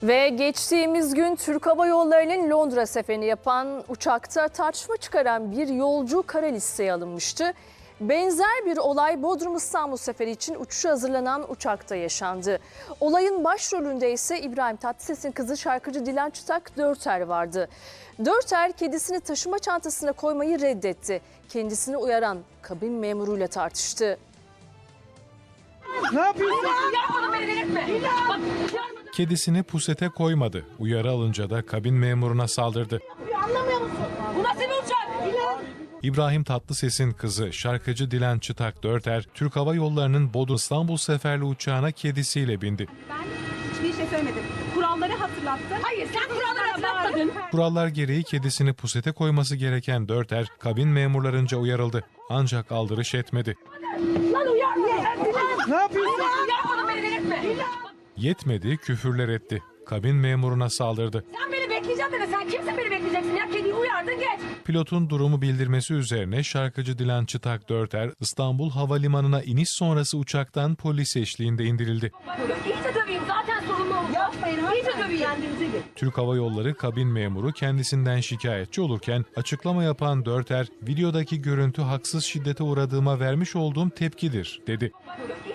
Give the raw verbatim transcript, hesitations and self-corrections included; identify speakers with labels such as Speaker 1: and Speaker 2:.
Speaker 1: Ve geçtiğimiz gün Türk Hava Yolları'nın Londra seferini yapan uçakta tartışma çıkaran bir yolcu kara listeye alınmıştı. Benzer bir olay Bodrum İstanbul seferi için uçuşa hazırlanan uçakta yaşandı. Olayın başrolünde ise İbrahim Tatlıses'in kızı şarkıcı Dilan Çıtak Dörter vardı. Dörter kedisini taşıma çantasına koymayı reddetti. Kendisini uyaran kabin memuruyla tartıştı.
Speaker 2: Ne yapıyorsun?
Speaker 3: Kedisini pusete koymadı. Uyarı alınca da kabin memuruna saldırdı.
Speaker 2: Anlamıyor musun?
Speaker 4: Bu nasıl bir uçak?
Speaker 3: İbrahim Tatlıses'in kızı şarkıcı Dilan Çıtak Dörter, Türk Hava Yolları'nın Bodrum İstanbul seferli uçağına kedisiyle bindi.
Speaker 5: Ben hiçbir şey söylemedim. Kuralları hatırlattım.
Speaker 4: Hayır, sen kuralları hatırlatmadın.
Speaker 3: Kurallar gereği kedisini pusete koyması gereken Dörter, kabin memurlarınca uyarıldı. Ancak aldırış etmedi.
Speaker 4: Lan uyar mı?
Speaker 2: Ne yapıyorsun?
Speaker 4: Uyarmadın beni delirtme.
Speaker 3: Yetmedi, küfürler etti. Kabin memuruna saldırdı.
Speaker 4: Sen beni bekleyeceksin dedi. Sen kimsin beni bekleyeceksin ya? Kediyi uyardın geç.
Speaker 3: Pilotun durumu bildirmesi üzerine şarkıcı Dilan Çıtak Dörter, İstanbul Havalimanı'na iniş sonrası uçaktan polis eşliğinde indirildi.
Speaker 4: İyice döveyim zaten sorumlu olacağım.
Speaker 5: Yapmayın
Speaker 4: İyice döveyim.
Speaker 5: Kendinize gelin.
Speaker 3: Türk Hava Yolları kabin memuru kendisinden şikayetçi olurken açıklama yapan Dörter, videodaki görüntü haksız şiddete uğradığıma vermiş olduğum tepkidir, dedi.